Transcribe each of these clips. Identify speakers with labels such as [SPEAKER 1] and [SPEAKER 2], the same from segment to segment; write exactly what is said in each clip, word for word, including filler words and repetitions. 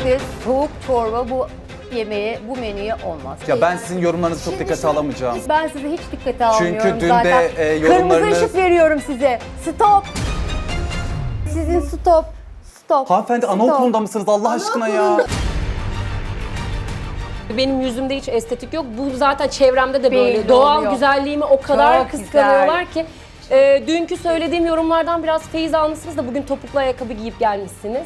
[SPEAKER 1] Kesinlikle soğuk çorba bu yemeğe, bu menüye olmaz.
[SPEAKER 2] Ya ben sizin yorumlarınızı çok dikkate alamayacağım.
[SPEAKER 1] Ben sizi hiç dikkate almıyorum
[SPEAKER 2] Çünkü dün
[SPEAKER 1] zaten.
[SPEAKER 2] de e, yorumlarınız...
[SPEAKER 1] Kırmızı ışık veriyorum size. Stop. Sizin stop. Stop.
[SPEAKER 2] Hanımefendi
[SPEAKER 1] Stop.
[SPEAKER 2] anaokulunda mısınız Allah aşkına ya?
[SPEAKER 3] Benim yüzümde hiç estetik yok. Bu zaten çevremde de böyle.
[SPEAKER 1] Belli
[SPEAKER 3] Doğal
[SPEAKER 1] oluyor.
[SPEAKER 3] güzelliğimi o kadar
[SPEAKER 1] Çok
[SPEAKER 3] kıskanıyorlar ki. E, dünkü söylediğim yorumlardan biraz feyiz almışsınız da bugün topuklu ayakkabı giyip gelmişsiniz.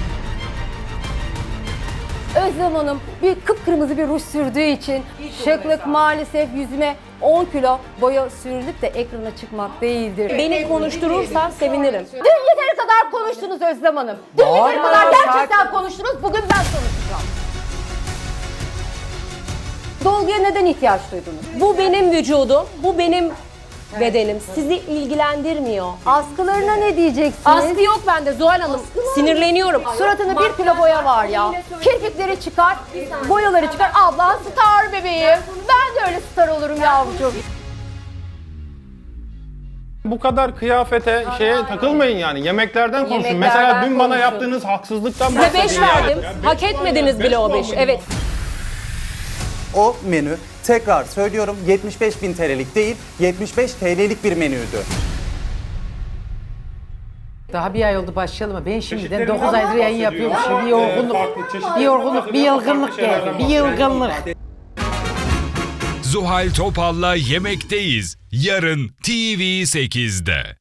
[SPEAKER 1] Özlem Hanım bir kıpkırmızı bir ruj sürdüğü için şıklık maalesef yüzüme on kilo boya sürülüp de ekrana çıkmak değildir.
[SPEAKER 3] Beni konuşturursan sevinirim.
[SPEAKER 1] Dün yeteri kadar konuştunuz Özlem Hanım. Dün yeteri
[SPEAKER 2] Bağırma
[SPEAKER 1] kadar
[SPEAKER 2] ya,
[SPEAKER 1] gerçekten
[SPEAKER 2] sakin.
[SPEAKER 1] konuştunuz. Bugün ben konuşacağım. Dolguya neden ihtiyaç duydunuz?
[SPEAKER 3] Bu benim vücudum, bu benim bedenim. Sizi ilgilendirmiyor.
[SPEAKER 1] Askılarına ne diyeceksiniz?
[SPEAKER 3] Askı yok bende Zuhal Hanım. Sinirleniyorum.
[SPEAKER 1] Suratında bir kilo boya var ya. Kirpikleri çıkar, boyaları çıkar. Abla star bebeğim. Ben de öyle star olurum yavrucuğum.
[SPEAKER 4] Bu kadar kıyafete, şeye takılmayın yani. Yemeklerden konuşun.
[SPEAKER 1] Yemeklerden
[SPEAKER 4] Mesela dün bana
[SPEAKER 1] konuşun.
[SPEAKER 4] yaptığınız haksızlıktan
[SPEAKER 3] Size
[SPEAKER 4] bahsedin
[SPEAKER 3] beş
[SPEAKER 4] yani.
[SPEAKER 3] verdim. Hak etmediniz bile o beş. Evet.
[SPEAKER 2] O menü tekrar söylüyorum yetmiş beş bin T L'lik değil yetmiş beş T L'lik bir menüydü.
[SPEAKER 5] Daha bir ay oldu başlayalım ama ben şimdiden dokuz aydır yayın yapıyormuşum. Bir yorgunluk, bir yorgunluk, bir yılgınlık geldi. Bir yılgınlık.
[SPEAKER 6] Zuhal Topal'la Yemekteyiz. Yarın T V sekizde.